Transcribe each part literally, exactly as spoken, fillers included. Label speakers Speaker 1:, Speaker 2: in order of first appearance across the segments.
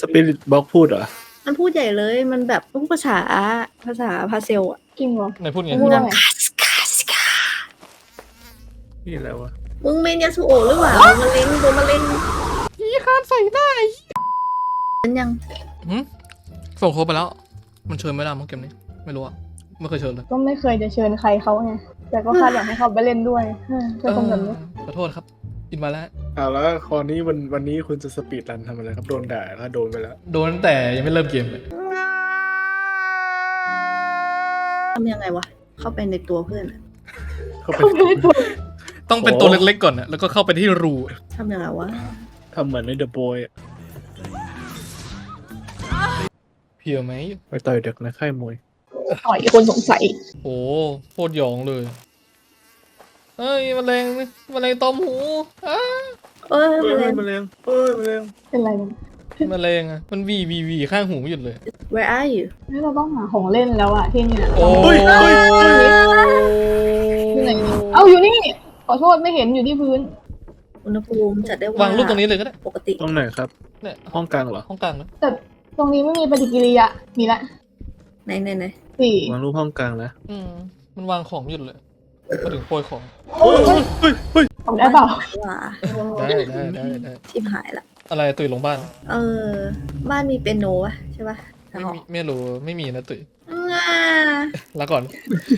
Speaker 1: ปิริตบล็อกพูดเหรอ
Speaker 2: มันพูดใหญ่เลยมันแบบพูดภาษาภาษาพาเซลอะ
Speaker 3: จริงเหรอ
Speaker 4: ไหนพูดไง
Speaker 3: พูดว่าไง
Speaker 1: นี่อะไรวะ
Speaker 2: มึงเมนยาสุโอะหรือเปล่าโดนมะเร็งโดนมะเร็ง
Speaker 4: ยี่คานใส่ได้
Speaker 2: มันยัง
Speaker 4: หืมส่งโค้ดไปแล้วมันเชิญไม่ได้มั้งเกมนี้ไม่รู้อะไม่เคยเชิญเลย
Speaker 3: ก็ไม่เคยจะเชิญใครเขาไงแต่ก็คาดอยากให้เขาไปเล่นด้วยเป็นคนแบบนี้
Speaker 4: ขอโทษครับอินมาแล้ว
Speaker 1: เอาแล้วคอนี้วันวันนี้คุณจะสปีดรันทำอะไรครับโดนด่าแล้วโดนไปแล้ว
Speaker 4: โดนตั้งแต่ยังไม่เริ่มเกมเลย
Speaker 2: ทำยังไงวะเข้าไปในตัวเพื่อน
Speaker 1: เข้าไป
Speaker 4: ต้องเป็นตัวเล็กๆก่อนนะแล้วก็เข้าไปที่รู
Speaker 2: ทำยังไงวะ
Speaker 1: ทำเหมือนในเดอะบอย
Speaker 4: เพียวไหม
Speaker 1: ไปต่อยเด็กในค่ายมวย
Speaker 3: ต่อยคนสงสัย
Speaker 4: โอ้โคตรหยองเลยเอ้ยมะเร็งมะเร็งตอมหูอ้า
Speaker 2: เอ้ยมะเร็ง
Speaker 1: มะเร็งเอ้ยมะเร็ง
Speaker 3: เป็นไร
Speaker 4: มันมะเร็งอ่ะมันวีวีวีข้างหูไม่หยุดเลย
Speaker 2: Where are you
Speaker 3: นี่เราต้องหาของเล่นแล้วอะที่นี่
Speaker 4: โอ้ย
Speaker 3: ที่ไหนเอาอยู่นี่ขอโทษไม่เห็นอยู่ที่พื้น
Speaker 2: อุณหภูมิจัดได้ว่าว
Speaker 4: างรูปตรงนี้เลยก็ได้
Speaker 2: ปกติ
Speaker 1: ตรงไหนครับ
Speaker 4: เนี่ย
Speaker 1: ห้องกลางเหรอ
Speaker 4: ห้องกลางนะ
Speaker 3: แต่ตรงนี้ไม่มีปฏิกิริยามีละ
Speaker 2: ไหนไหนไหน
Speaker 3: สี่
Speaker 1: วางรูปห้องกลางนะ
Speaker 4: อืมมันวางของหยุดเลยมาถึงโปรยของ
Speaker 1: เฮ้ยเฮ้ยเฮ้ย
Speaker 3: ทำได้เปล่า
Speaker 4: ได้ได้ได้ได้
Speaker 2: ชิบหายละ
Speaker 4: อะไรตุ๋ยลงบ้าน
Speaker 2: เออบ้านมีเปียโนวะใช่ปะ
Speaker 4: ไม่มีไม่รู้ไม่มีนะตุ๋ยลาก่อน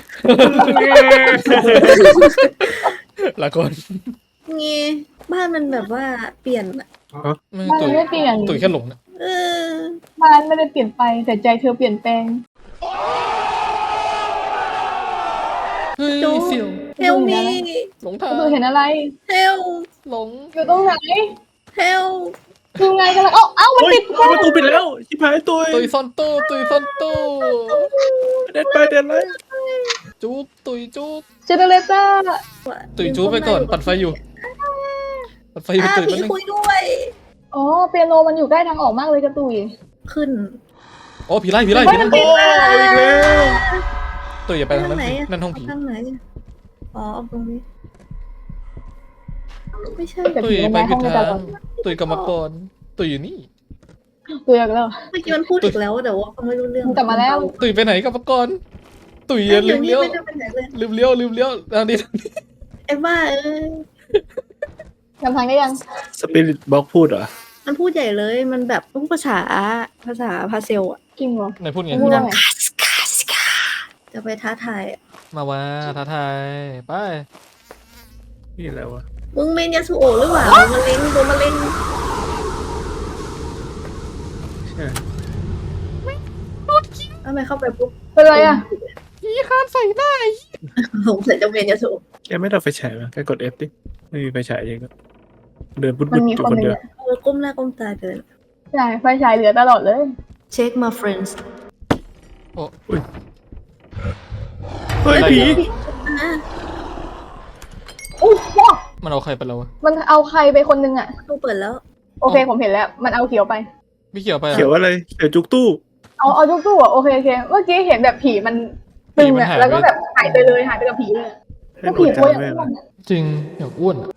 Speaker 4: ลาก่อน
Speaker 2: งี้บ้านมันแบบว่าเปลี่ยนอะ
Speaker 3: บ้านไม่เปลี่ยน
Speaker 4: ตุ๋ยแค่หลงนะ
Speaker 3: บ้านไม่ได้เปลี่ยนไปแต่ใจเธอเปลี่ยนแปลง
Speaker 4: เฮ้ยเสี่ยว
Speaker 2: เฮลมี
Speaker 4: หลงทาง
Speaker 3: ดูเห็นอะไร
Speaker 2: เฮล
Speaker 4: หลง
Speaker 3: อยู่ตรงไหน
Speaker 2: เฮล
Speaker 3: ดูไงกันล่ะเอ้าเอ้ามันปิด
Speaker 1: ประตูปิดแล้วชิบหายตัว
Speaker 4: ตุยซ่อนตู้ตุยซ่อนตู้
Speaker 1: เด็ดไปเด็ดเลย
Speaker 4: จุ๊บตุยจุ๊บ
Speaker 3: เจเนเรเตอร์
Speaker 4: ตุยจุ๊บไปก่อนปัดไฟอยู่ปัดไฟอยู่ตุย
Speaker 2: พี่คุยด้วย
Speaker 3: อ๋อเปียโนมันอยู่ใกล้ทางออกมากเลยกระตุย
Speaker 2: ขึ้น
Speaker 4: โอ้ผีไล่ผีไล่ผีไล่
Speaker 1: โอ้ยแล้ว
Speaker 4: ตุยอย่าไปทางนั้นนั่นห้องผี
Speaker 2: ทางไหนอ๋อตรงนี้ไม่ใช่
Speaker 4: ตุยไปผิดทางตุยกรรมกรตุยอยู่นี่
Speaker 3: ตุยอีกแล้ว
Speaker 2: เมื่อกี้มันพูดอีกแล้วแต่ว่าฟังไม่รู้เรื่อง
Speaker 3: กลับมาแล้ว
Speaker 4: ตุยไปไหนกรรมกรตุยลืมเลี้ยวลืมเลี้ยวลืมเลี้ยวทางนี้
Speaker 2: ไอ้บ้าเอ้ย
Speaker 3: จำทางได้ยัง
Speaker 1: สปิริตบล็อกพูดเหรอ
Speaker 2: มันพูดใหญ่เลยมันแบบพูดภาษาภาษาพาเซลอะ
Speaker 3: จริงเหรอ
Speaker 4: ไหนพูดไง
Speaker 3: พูดว่าไง
Speaker 2: จะไปท้าทาย
Speaker 4: มาว่าท้าทายไป
Speaker 1: นี่อะไรวะ
Speaker 2: มึงเมนยาสุโอะหรือเปล่ามะเร็งโดนมะเร็งทำไมเข้าไปปุ๊บ
Speaker 3: เป็นไรอ่ะ
Speaker 4: ยี่คานใส่ได้
Speaker 2: สงสัยจะเมนยาสุ
Speaker 1: แกไม่ต้องไฟฉายมั้ยแกกด F ดิไม่มีไฟฉายเองก็เดินปุ๊บๆอยู่คนเดียว
Speaker 2: เออก้มหน้าก้มตาเดิน
Speaker 3: ใช่ไฟฉายเหลือตลอดเลย
Speaker 2: Check my friends
Speaker 4: โอ้
Speaker 1: ยเฮ้ยผี
Speaker 3: โอ้โห
Speaker 4: มันเอาใครไปแล้ววะ
Speaker 3: มันเอาใครไปคนนึงอ่ะ
Speaker 2: ตู้เปิดแล้ว
Speaker 3: โอเคผมเห็นแล้วมันเอาเขียวไป
Speaker 4: ไม่เขียวไป
Speaker 1: เขียวอะไรเขียวจุกตู้
Speaker 3: เอาเอาจุกตู้อ่ะโอเคโอเคเมื่อกี้เห็นแบบผีมันตึงอ่ะแล้วก็แบบหายไปเลยหายไปกับผีเลยก็ผีโวย
Speaker 4: จริงอย่างอ้วน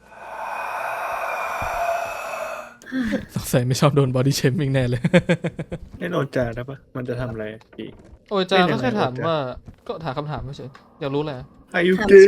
Speaker 4: สงสัยไม่ชอบโดนบอดี้เชมิ่งแน่เลย
Speaker 1: แน่นอนจ่าได้ปะมันจะทำอะไรอีก
Speaker 4: โอ้ยจ่าก็แค่ถามว่าก็ถามคำถามไม่ใช่อยากรู้แหละ
Speaker 1: อายุเก๋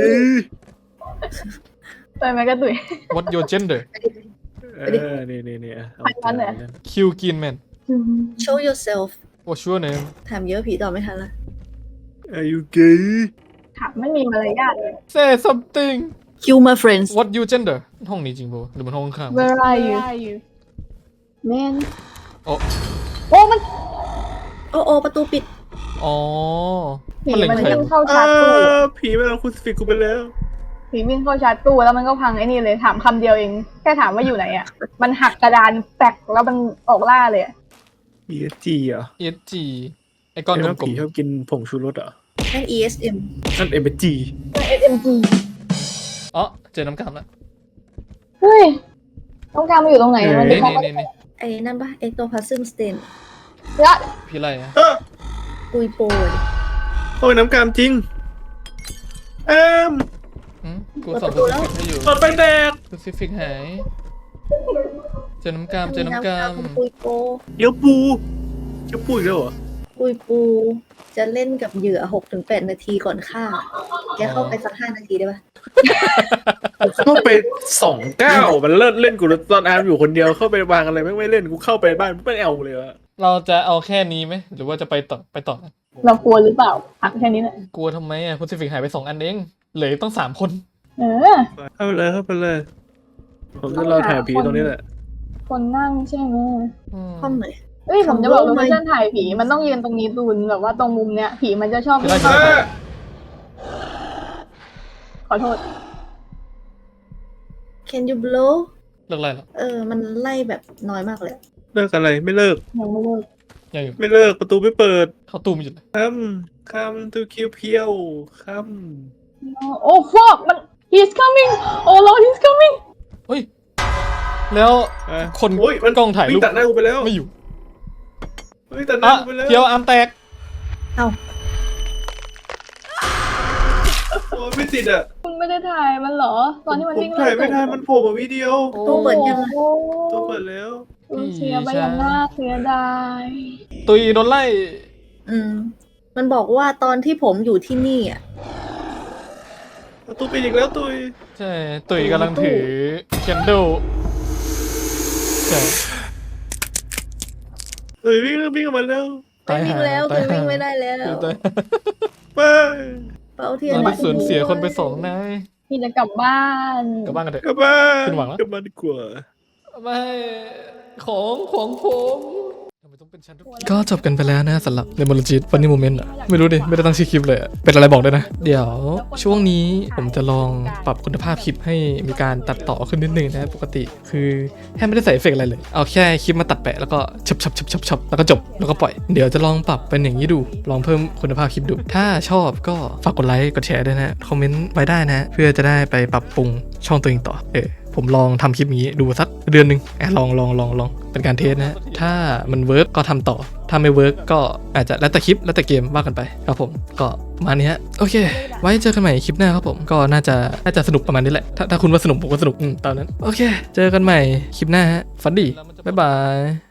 Speaker 3: ไปไหมกระตุย
Speaker 4: What your gender
Speaker 1: เออนี่นี่นี่
Speaker 4: คิวกินแมน
Speaker 2: Show yourself
Speaker 4: What's your name
Speaker 2: ถามเยอะผีตอบไม่ทันละ
Speaker 1: อายุเก๋
Speaker 3: ถามไม่มีมารยาทเลย
Speaker 4: Say something
Speaker 2: Kill my friends
Speaker 4: What your gender ห้องนี้จริงป่ะหรือมันห้องข้าง
Speaker 3: Where are you Man
Speaker 4: โอ้
Speaker 3: โอ้มัน
Speaker 2: โอ้โอ้ประตูปิด
Speaker 4: อ๋อ
Speaker 3: ผีมันวิ่งเข้าชาร์จตู้
Speaker 1: ผีมันเอาคุณสฟิกกูไปแล้ว
Speaker 3: ผีวิ่งเข้าชาร์จตู้แล้วมันก็พังไอ้นี่เลยถามคำเดียวเองแค่ถามว่าอยู่ไหนอ่ะมันหักกระดานแตกแล้วมันออกล่าเลย
Speaker 1: อี เอส จี เหรอ
Speaker 4: อี เอส จี ไอ้ก้อนกลมๆ
Speaker 1: ผีชอบกินผงชูรสเหรอ
Speaker 2: นั่น อี เอส เอ็ม
Speaker 1: นั่น เอ็ม เอส จี
Speaker 3: นั่น เอส เอ็ม จี
Speaker 4: อ๋อเจอน้ำกามแล้ว
Speaker 3: เฮ้ยน้ำกามมาอยู่ตรงไหนมัน
Speaker 4: นี่นี่นี่
Speaker 2: ไอ้นั่นปะเอ็กโตพาซึมสเตน
Speaker 3: ละ
Speaker 4: พี่ไรอะ
Speaker 2: กุยโปย
Speaker 1: โอ้ยน้ำกามจริงเอ็ม
Speaker 4: กูสอนกูให้อยู่
Speaker 1: ตอดไปแดก
Speaker 4: กูซิฟิกหายเจอน้ำกามเจอน้ำกาม
Speaker 2: ปุยโป
Speaker 1: เดี๋ยวปูเดี๋ยวปูอีกแล้วเหรอ
Speaker 2: ปุยปูจะเล่นกับเหยื่อหกถึงแปดนาทีก่อนฆ่า แกเข้าไปสักห้านาทีได้ปะ
Speaker 1: เข้าไปสองเก้ามันเลิศเล่นกูตอนอาร์มอยู่คนเดียวเข้าไปวางอะไรไม่ไม่เล่นกูเข้าไปบ้านไม่เอาเลยวะ
Speaker 4: เราจะเอาแค่นี้ไหมหรือว่าจะไปต่อไปต่อ
Speaker 3: เรากลัวหรือเปล่าหักแค่นี้แหละ
Speaker 4: กลัวทำไมอ่ะคุณซิฟิกหายไปสองอันเองเหลือต้องสามคน
Speaker 3: เออ
Speaker 1: เข้าไปเลยเข้าไปเลย ผมจะรอถ่ายผีตรงนี้แหละ
Speaker 3: คนนั่งใช่ไหม
Speaker 4: อืม
Speaker 2: ห้องไหน
Speaker 3: เอ้ยผมจะบอก
Speaker 2: ทำ
Speaker 3: โล
Speaker 2: ไม
Speaker 3: เคชั่นถ่ายผีมันต้องยืนตรงนี้ตูนแบบว่าตรงมุมเนี้ยผีมันจะชอบวิ่ง
Speaker 4: ได้
Speaker 3: เข้าขอโทษ
Speaker 2: Can you blow
Speaker 4: เลิกอะไรหรอ
Speaker 2: เออ มันไล่แบบน้อยมากเลย
Speaker 1: เลิกอะไรไม่เลิก
Speaker 3: ยังไม่เลิก
Speaker 4: ยังอยู่
Speaker 1: ไม่เลิกประตูไม่เปิด
Speaker 4: เข้าตู้มอยู่เลย
Speaker 1: คำคำตูคิวเพียวค
Speaker 3: โอ้ฟอกมัน he's coming โอ้ lord he's coming
Speaker 4: เฮ้ยแล้ว
Speaker 1: ำอ่ะ
Speaker 4: คน
Speaker 1: โอ้ยมัน
Speaker 4: กล้องถ่ายรูป
Speaker 1: วิ่ตัดหน้ากูไปแล้ว
Speaker 4: ไม่อยู่
Speaker 1: เฮ้ยตัดหน้า
Speaker 4: อ่ะ
Speaker 1: กูไปแล้ว
Speaker 4: เพียวอาร์มแตก
Speaker 2: เอ้า
Speaker 1: โอ้ยไม่ติดอ่ะ
Speaker 3: คุณไม่ได้ถ่ายมันเหรอ ตอนที่มัน
Speaker 1: ผม
Speaker 3: วิ่ง
Speaker 1: ถ่ายไม่ทันมันโผล่มาวิดีโอ
Speaker 2: ตู้เปิดยัง
Speaker 3: โอ้
Speaker 1: ตัวเปิดแล้ว
Speaker 3: คุณเสียไปอย่างน่าเสียดาย
Speaker 4: ตุยโดนไล่
Speaker 2: อืม มันบอกว่าตอนที่ผมอยู่ที่นี่อ่ะ
Speaker 1: ประตูปิดอีกแล้วตุย
Speaker 4: ใช่ตุยกำลังถือแคนเดลใช่
Speaker 1: ตุยวิ่งแล้ววิ่งออกมาแล้ว
Speaker 2: ไม่วิ่งแล้วคือวิ่งไม่ได้แล้ว
Speaker 4: ตาย
Speaker 1: ไป
Speaker 2: เป้าเทียน
Speaker 4: เราได้สูญเสียคนไปสองนาย
Speaker 3: พี่จะกลับบ้าน
Speaker 4: กลับบ้านกันเถอะ
Speaker 1: กลับบ้าน
Speaker 4: ขึ้นหวังแล้ว
Speaker 1: กลับบ้านดีกว่า
Speaker 4: ไม่ของของผมทำไมต้องเป็นฉันทุกทีก็จบกันไปแล้วนะสำหรับในมลจิตฟันนี่โมเมนต์อ่ะไม่รู้ดิไม่ได้ตั้งชื่อคลิปเลยอะเป็นอะไรบอกด้วยนะ เดี๋ยวช่วงนี้ผมจะลองปรับคุณภาพคลิปให้มีการตัดต่อขึ้นนิดนึงนะปกติคือแทบไม่ได้ใส่เอฟเฟกต์อะไรเลยเอาแค่คลิปมาตัดแปะแล้วก็ชับชับชับชับชับแล้วก็จบแล้วก็ปล่อยเดี๋ยวจะลองปรับเป็นอย่างนี้ดูลองเพิ่มคุณภาพคลิปดู ถ้าชอบก็ฝากกดไลค์กดแชร์ด้วยนะคอมเมนต์ไว้ได้นะเพื่อจะได้ไปปรับปรุงช่องตัวเองต่อเออผมลองทำคลิปนี้ดูสักเดือนหนึ่งอ่ะลองลองลองลองเป็นการเทสนะ ถ้ามันเวิร์กก็ทำต่อ ถ้าไม่เวิร์กก็อาจจะแล้วแต่คลิปแล้วแต่เกมว่ากันไปครับผมก็ประมาณนี้ฮะโอเค ไว้เจอกันใหม่คลิปหน้าครับผมก็น่าจะน่าจะสนุกประมาณนี้แหละ ถ้าถ้าคุณว่าสนุกผมก็สนุกอืมตามนั้นโอเค เจอกันใหม่คลิปหน้าฮะฝันดีบ๊ายบาย